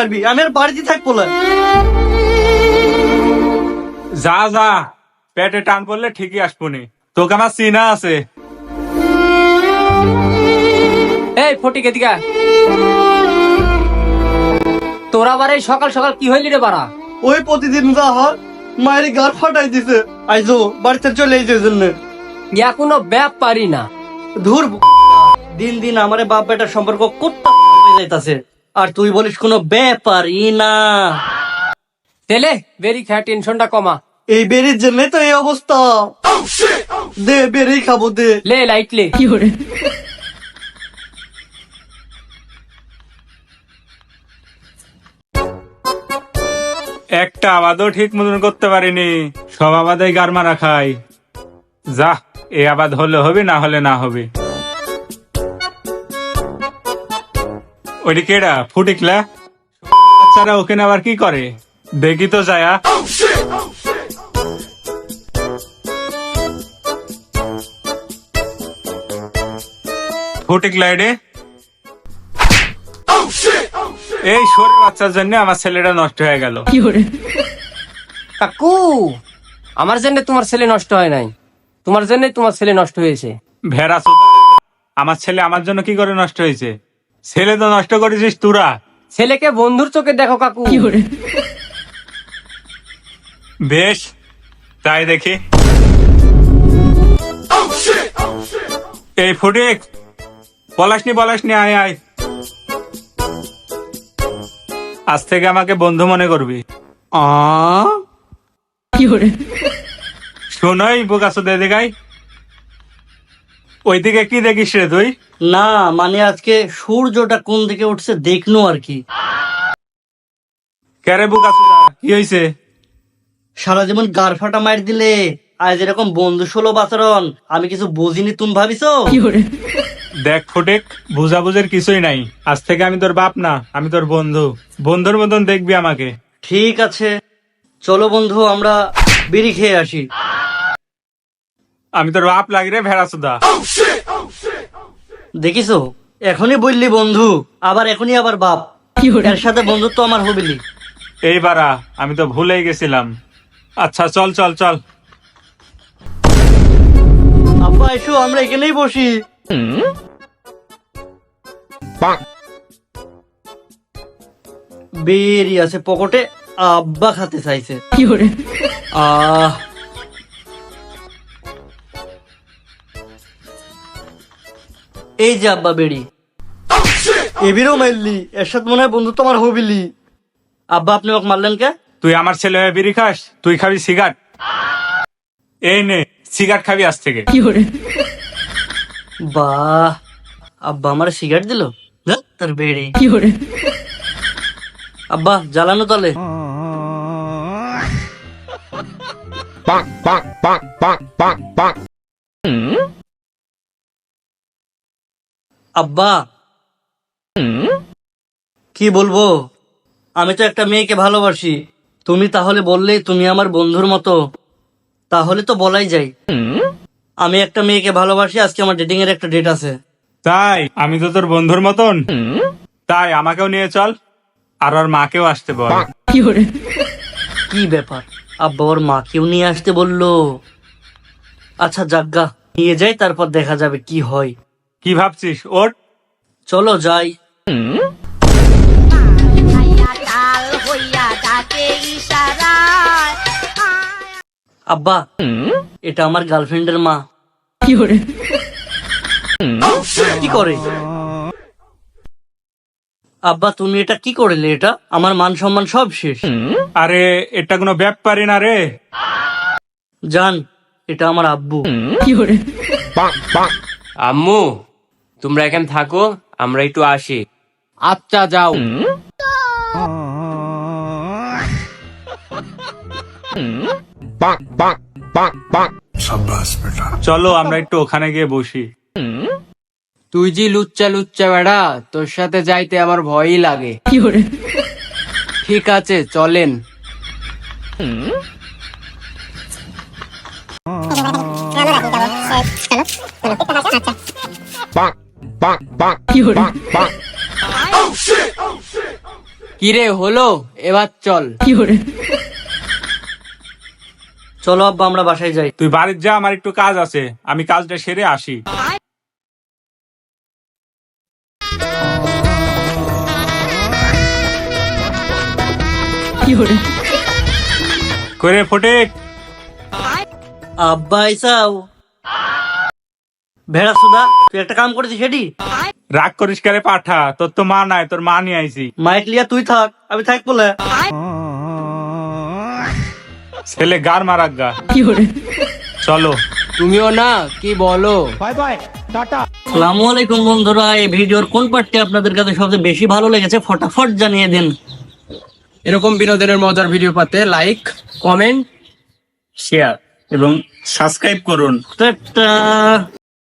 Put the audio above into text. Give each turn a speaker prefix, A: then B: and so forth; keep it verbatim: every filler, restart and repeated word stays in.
A: মারবি, আমি আর বাড়িতে থাকবো না।
B: যা যা, পেটে টান পড়লে ঠিকই আসবনি, তোকে আমার চিনা আছে।
C: এই ফটিক এদিকে, তোরা আবার এই সকাল সকাল কি হইলি রে বাড়া?
A: ওই প্রতিদিন যা হয়, মায়ের গার ফাটাই দিছে, আইজো বাড়িতে চলে এই জন্য।
C: ইয়া কোনো ব্যাপারই না।
A: ধুর, দিন দিন আমারে বাপ বেটার সম্পর্ক কুত্তা হয়ে যাইতাছে, আর তুই বলিস কোনো ব্যাপারই না।
C: তেলে বেরি খা, টেনশনটা কমা।
A: এই বেরির জন্যই তো এই অবস্থা। দে বেরি খাবো, দে।
C: লে লাইট লে।
B: একটা আবাদও ঠিক মতন করতে পারিনি, সব আবাদে গার মারা খাই। যা, এ আবাদ হলে হবে, না হলে না হবে। ওইটি কেডা? ফুটিকলা বাচ্চারা ওখানে আবার কি করে দেখি তো যায়া। ফুটিকলা এডে, এই শোরের বাচ্চার জন্য আমার ছেলেটা নষ্ট হয়ে গেল।
C: কাকু, আমার জন্য তোমার ছেলে নষ্ট হয় নাই, তোমার জন্য তোমার ছেলে নষ্ট হয়েছে।
B: ভেড়া চোদা, আমার ছেলে আমার জন্য কি করে নষ্ট হয়েছে? ছেলে তো নষ্ট করেছিস তোরা।
C: ছেলেকে বন্ধুর চোখে দেখো কাকু।
B: বেশ, তাই দেখি। এই ফটিক, পলাশনি পলাশনি, আয় আয়, আজ থেকে আমাকে বন্ধু মনে করবি।
A: আ
B: শোনই বোকাসো দে দেখাই, ওইদিকে কি দেখিস রে তুই?
A: না, মানে আজকে সূর্যটা কোন দিকে উঠছে দেখনো আর কি।
B: কেরে বোকাসো, কি হয়েছে?
A: সারা জীবন গার ফাটা মার দিলে, আজ এরকম বন্ধু সুলভ আচরণ আমি কিছু বুঝিনি, তুমি ভাবিছো?
B: দেখ ফটিক, বুঝাবুঝের কিছুই নাই, আজ থেকে আমি তোর বাপ না, আমি তোর বন্ধু। বন্ধুর মতন দেখবি আমাকে।
A: ঠিক আছে, চলো বন্ধু আমরা বিড়ি খেয়ে আসি।
B: আমি তোর বাপ লাগি রে ভেড়া চোদা।
A: দেখিছো, এখনই বললি বন্ধু, আবার এখনই আবার বাপ। এর সাথে বন্ধুত্ব আমার হবিলি।
B: এই বারা, আমি তো ভুলেই গেছিলাম। আচ্ছা চল চল চল।
A: আব্বা এসো, আমরা এখানেই বসি। বেরি আছে পকেটে, আব্বা খাতে চাইছে। আহ এই যে আব্বা বেড়ি, এবিরও মারলি, এর সাথে মনে হয় বন্ধুত্ব আমার হবিলি। আব্বা আপনি ওকে মারলেন কে?
B: তুই আমার ছেলে হয়ে বিড়ি খাস? তুই খাবি সিগারেট। এই নে, সিগারেট খাবি আজ থেকে।
A: বাহ, আব্বা আমার সিগারেট দিল, তার বেড়ে। আব্বা জ্বালানো তালে। আব্বা কি বলবো, আমি তো একটা মেয়েকে ভালোবাসি, তুমি তাহলে বললে তুমি আমার বন্ধুর মতো, তাহলে তো বলাই যায়। আমি একটা মেয়েকে ভালোবাসি, আজকে আমার ডেটিং এর একটা ডেট আছে।
B: তাই? আমি তো তোর বন্ধুর মতন, তাই আমাকেও নিয়ে চল, আর ওর মাকেও আসতে বল।
A: কি ব্যাপার, আব্বা ওর মাকেও নিয়ে আসতে বললো? আচ্ছা যাজ্ঞা, নিয়ে যাই, তারপর দেখা যাবে কি হয়।
B: কি ভাবছিস? ওর
A: চলো যাই। আব্বা, এটা আমার গার্লফ্রেন্ডের মা। কি করে? আব্বা তুমি এটা কি করলে? এটা আমার মান সম্মান সব শেষ।
B: আরে এটা কোনো ব্যাপারই না রে।
A: জান, এটা আমার আব্বু।
C: আম্মু, তোমরা এখানে থাকো, আমরা একটু আসি। আচ্ছা যাও।
B: চলো আমরা একটু ওখানে গিয়ে বসি।
C: তুই যে লুচ্চা লুচ্চা বেড়া, তোর সাথে যাইতে আমার ভয়ই লাগে। ঠিক আছে চলেন। কিরে হলো, এবার চল।
A: চলো আব্বা আমরা বাসায় যাই।
B: তুই বাড়ির যা, আমার একটু কাজ আছে, আমি কাজটা সেরে আসি। করে ফটিক,
A: আব্বা আইসাও। ভেড়া সুদা, তুই একটা কাম করেছিস সেটি?
B: রাগ করিস করে পাঠা, তোর তো মা নাই, তোর মা নিয়ে আইছি।
A: মাইক লিয়া তুই থাক, আমি থাক বলে।
B: ছেলে গার মারাক গা। চলো।
C: তুমিও না, কি বলো?
A: আসসালামু আলাইকুম বন্ধুরা, এই ভিডিওর কোন পার্টটি আপনাদের কাছে সবচেয়ে বেশি ভালো লেগেছে ফটাফট জানিয়ে দিন।
C: এরকম বিনোদনের মজার ভিডিও পাতে লাইক, কমেন্ট,
B: শেয়ার এবং সাবস্ক্রাইব করুন।
A: টাটা।